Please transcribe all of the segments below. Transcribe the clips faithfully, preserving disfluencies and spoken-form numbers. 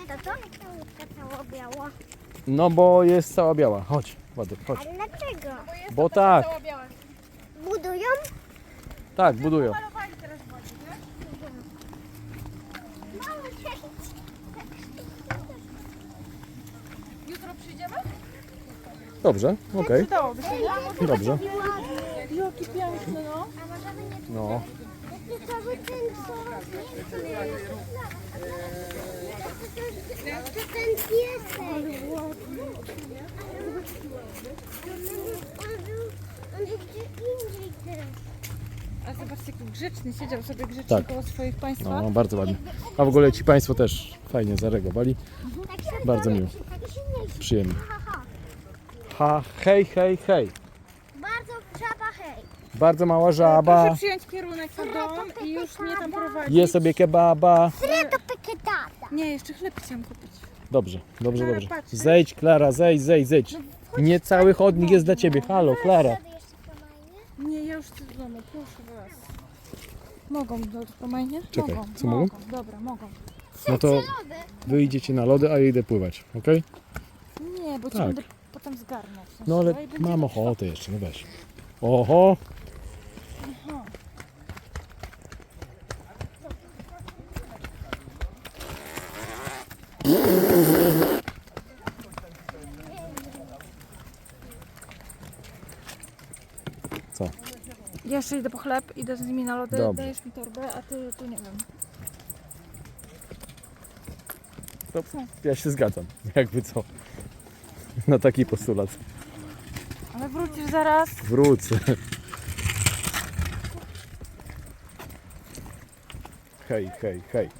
Tato? Łódka cała biała. No bo jest cała biała. Chodź, Władek, chodź. Ale dlaczego? Bo tak, Budują? tak, budują. Malowali teraz wodzi, nie? Mamo, cześć. Jutro przyjdziemy? Dobrze, okej, Przydałoby się, nie? dobrze. Jaki piękny, no. A możemy nie No, nie cały ten co? To ten piesek. On był, on był gdzie indziej teraz. A zobaczcie, jaki grzeczny, siedział sobie grzecznie Tak. koło swoich państwa. no, bardzo ładnie. A w ogóle ci Państwo też fajnie zareagowali. Tak się Bardzo miło. Tak się nie Przyjemnie. Ha, ha. Ha, hej, hej, hej. Bardzo żaba hej. Bardzo mała Proszę żaba. przyjąć kierunek na dom i już mnie tam prowadzić. Je sobie kebaba. Sredo peketata. Nie, jeszcze chleb chciałam kupić. Dobrze, dobrze, Klara, dobrze. patrz. Zejdź, Klara, zejdź, zejdź, zejdź. Nie cały chodnik jest dla Ciebie. Halo, Klara. Nie, ja już chcę do domu, proszę was. Mogą do Romajnie? Czekaj, mogą, co mogą? Dobra, mogą. No to Wy idziecie na lody, a ja idę pływać, okej? Nie, bo cię Tak. będę potem zgarnął. w sensie, No ale i będzie mam tak ochotę jeszcze, no weź. Oho, Aha. co? Ja jeszcze idę po chleb, idę z nimi na lody, Dobrze. dajesz mi torbę, a ty tu nie wiem. To ja się zgadzam, jakby co. Na taki postulat. Ale wrócisz zaraz. Wrócę. Hej, hej, hej.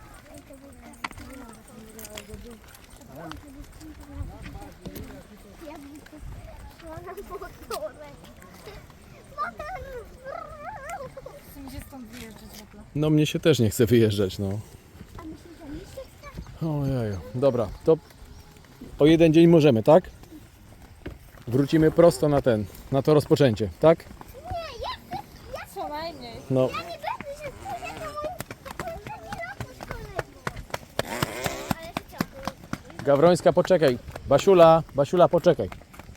Ja bym szła na motorek. Chcę mi się stąd wyjeżdżać w ogóle. No mnie się też nie chce wyjeżdżać, no. A myślisz, że mi się chce? Ojeju. Dobra, to o jeden dzień możemy, tak? Wrócimy prosto na ten, na to rozpoczęcie, tak? Co najmniej. No, Ja nie będę się spodziewał. Taki ratus kolego. Ale co? Gawrońska, poczekaj. Basiula, Basiula, poczekaj.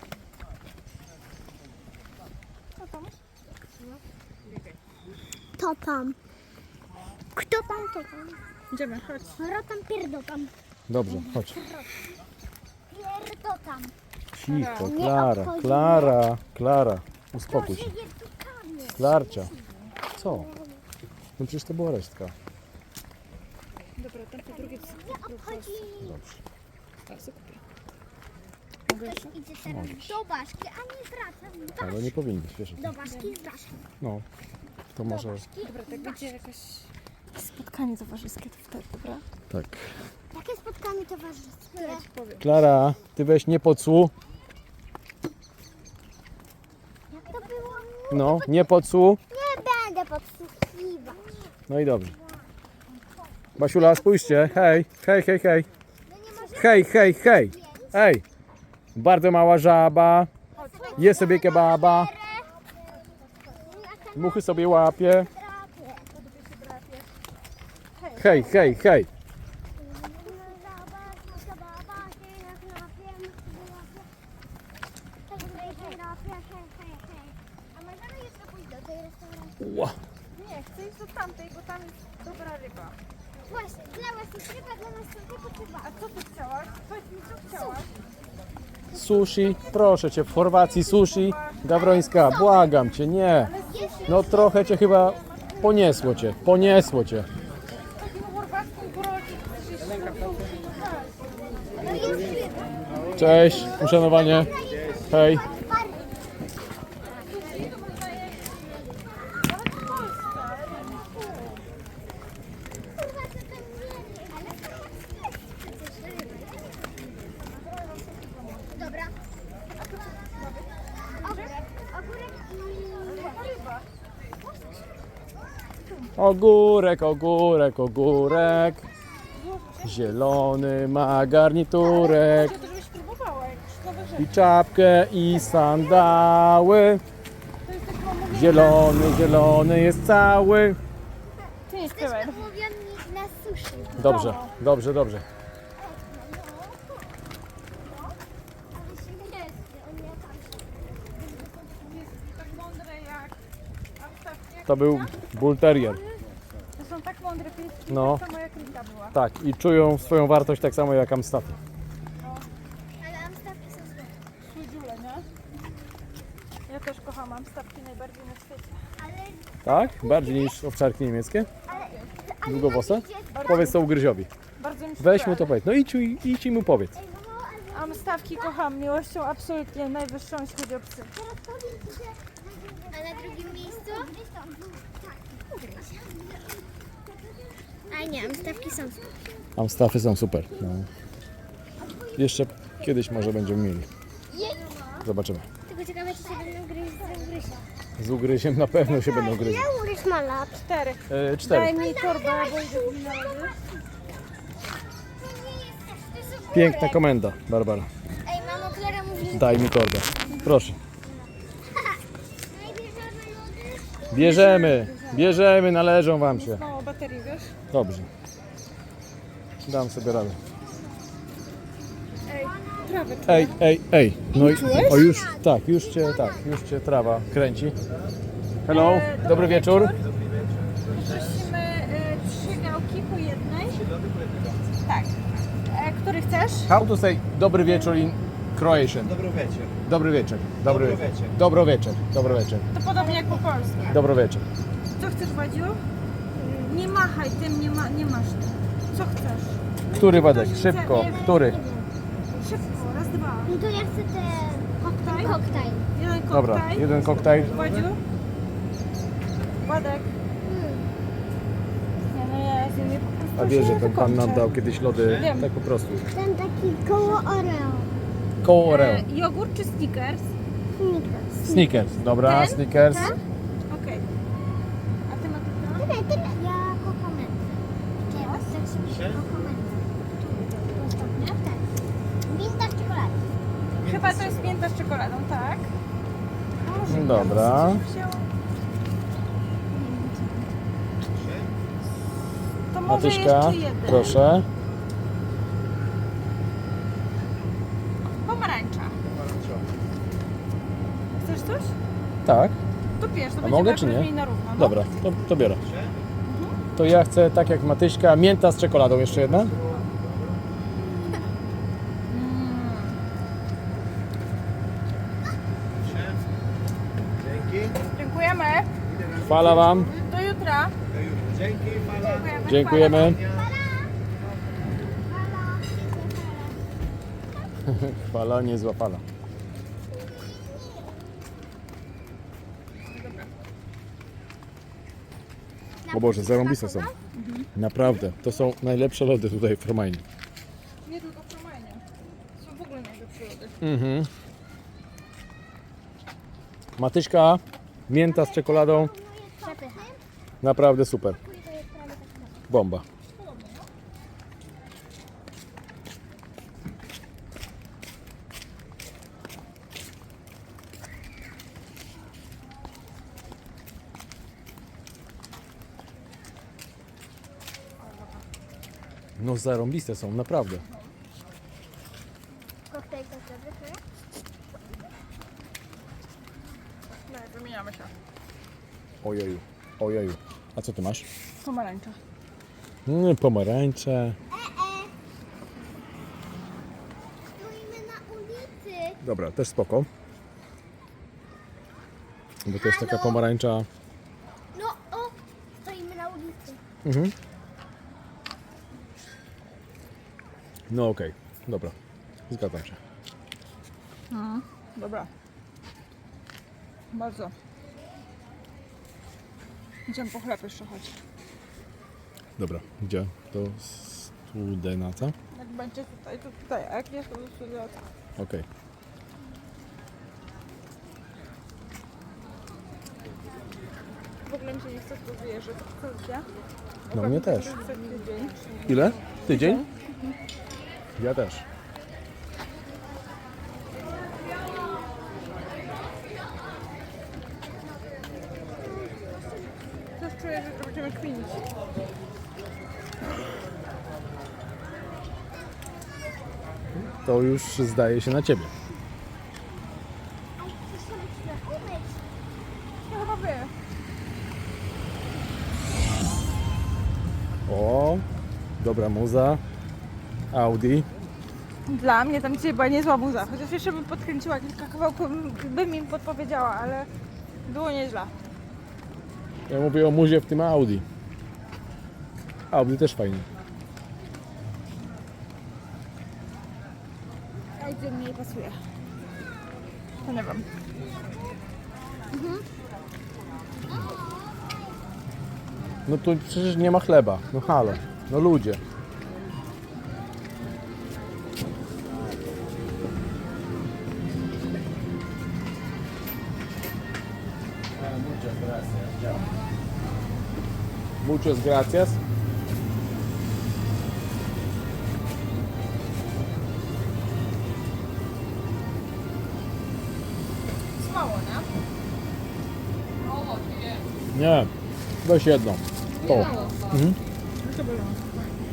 To tam. Kto tam, to tam? Idziemy, chodź. Rotam, pierdotam. Dobrze, chodź. Pierdotam. Cicho, Klara, Klara, Klara. Uspokój się. Żyje tu kamień. Klarcia. Co? No przecież to była resztka. Dobra, tam po drugie Nie obchodzi. Dobrze. teraz kupię. Mogę Ktoś jeszcze? idzie teraz do Baszki, a nie wraca Ale nie powinniś, wiesz. do Baszki z Baszki. No, to może Dobra, tak będzie jakaś spotkanie towarzyskie, to wtedy, dobra? tak. Jakie spotkanie towarzyskie? Ja ci powiem. Klara, ty weź nie podsłuch. Jak to było? No, nie podsłuch. Nie będę podsłuchiwać. No i dobrze. Basiula, spójrzcie. Hej, hej, hej, hej. Hej, hej, hej. Ej. Bardzo mała żaba. Je sobie kebaba. Muchy sobie łapie. Hej, hej, hej. A możemy jeszcze pójść do tej restauracji? Ła. Nie, chcę iść do tamtej, bo tam jest dobra ryba. Właśnie, dla was jest ryba, dla nas są tylko chyba. A co ty chciałaś? Powiedz mi, co chciałaś? Sushi, proszę cię, w Chorwacji sushi. Gawrońska, błagam cię, nie. No trochę cię chyba poniesło cię, poniesło cię. Takim chorwackim brodzik. No jest ryba. Cześć, uszanowanie. Hej. Dobra. Ogórek, ogórek i... Ogórek, ogórek, ogórek. Zielony ma garniturek. Ja to żebyś próbowała, jak już nowe rzeczy. I czapkę, i sandały. To jest taki mam mówię, Zielony, zielony jest cały. ty jest To jest pełen. umówiony na sushi. Dobrze, dobrze, dobrze. To był Bull Terrier. To są tak mądre pieski, No. tak samo jak Rita była. Tak, i czują swoją wartość tak samo jak Amstaffy. Ale amstawki są złe. Słodziule, nie? Ja też kocham amstawki najbardziej na świecie. Ale, Tak? Bardziej niż owczarki niemieckie? ale, ale Długowłose? idzie- Powiedz to ugryziowi. Bardzo mi się Weź kojarzy. mu to powiedz. No idź, i- idź i mu powiedz. Ej, mamo, ale Amstawki kocham miłością absolutnie najwyższą, jeśli chodzi o psy. teraz powiem ci, że... A na drugim miejscu? A nie, amstawki są złe. Amstaffy są super. No. Jeszcze kiedyś może będziemy mieli. Zobaczymy. Tylko ciekawe, czy się będą gryźć z ugrysia. Z ugryziem na pewno się będą gryźć. Ile ugryź ma lat? Cztery. E, Daj cztery. mi torbę, bo idę na lody. Piękna komenda, Barbara. Ej, mamo, Klara mówi, że... Daj mi torbę. Proszę. Najpierw żadne lody. Bierzemy, bierzemy, należą wam się. Mało baterii, wiesz? Dobrze. Dam sobie radę. Ej, trawę czuję. Ej, ej, ej. No i o już, tak, już cię, tak, już cię trawa kręci. Hello, dobry wieczór. Prosimy e, trzy gałki po jednej. Tak. E, który chcesz? How to say dobry wieczór in Croatian? Dobry wieczór. Dobry wieczór. Dobry Dobry wieczór. wieczór. Dobry wieczór. Dobry wieczór. To podobnie jak po polsku. Dobry wieczór. Co chcesz, Wadziu? Nie machaj tym, nie, ma, nie masz tym. Co chcesz? Który Wadek? Szybko. Który? Szybko, raz, dwa. No to ja chcę ten Koktajl? koktajl. Jeden koktajl. Dobra, jeden koktajl. Wadziu? Ładek. Nie no ja z nimi po prostu A wiesz, że się ten pan nam wykończę. dał kiedyś lody Wiem. tak po prostu. Ten taki koło Oreo. Koło Oreo. E, jogurt czy Snickers? Snickers. Snickers. Dobra, Ten? Snickers. Okej. A ty Matylda? Tyle, tyle. Ja kokomentę. Czy ja chcę sobie kokomentę. Ostatnie? Tak. Minta w czekoladzie. Chyba to jest mięta z czekoladą, tak? Może Dobra. wzięło. To może Matyśka, jeszcze jeden. proszę. Pomarańcza. Chcesz coś? Tak. To bierz, to A będzie mogę, tak czy nie? równiej na równo. No. Dobra, to, to biorę. To ja chcę, tak jak Matyśka, mięta z czekoladą. Jeszcze jedna? Mm. Dzięki. Dziękujemy. Chwala wam. Do jutra. Dzięki, fala. Dziękujemy. Dziękujemy. Chwala, niezła fala. O Boże, zarąbiste są. Naprawdę, to są najlepsze lody tutaj w Romainie. Nie tylko w Romainie. Są w ogóle najlepsze lody. Mhm. Matyśka, mięta z czekoladą, Przepycha. naprawdę super. To jest prawie tak samo. Bomba. No zarąbiste są, naprawdę. Koktajl koktajlowy. Nie, wymieniamy się. Ojeju, ojeju. A co ty masz? Pomarańcza. Mm, pomarańcze. Stoimy na ulicy. Dobra, też spoko. Bo to jest taka pomarańcza. No, o, stoimy na ulicy. Mhm. No okej, dobra. Zgadzam się. Mhm. Dobra. Bardzo. Idziemy po chleb jeszcze chodź. Dobra, gdzie? To Studenaca? Jak będzie tutaj, to tutaj. A jak nie, to tutaj. Okej. W ogóle mi się nie chce w to wierzyć. Co ja? No mnie też. Tydzień. Ile? Tydzień? Ja też. Też czuję, że będziemy kminić. To już zdaje się na ciebie. Chcesz sobie umyć. Ja chyba wie. Dobra muza. Audi. Dla mnie tam dzisiaj była niezła muza. Chociaż jeszcze bym podkręciła kilka kawałków, bym im podpowiedziała, ale było nieźle. Ja mówię o muzie w tym Audi. Audi też fajnie. A gdzie mniej pasuje? To nie wiem. No tu przecież nie ma chleba. No halo. No ludzie. Muchas gracias. Smało, nie? Nie. Weź jedną. To. Mhm. No to było.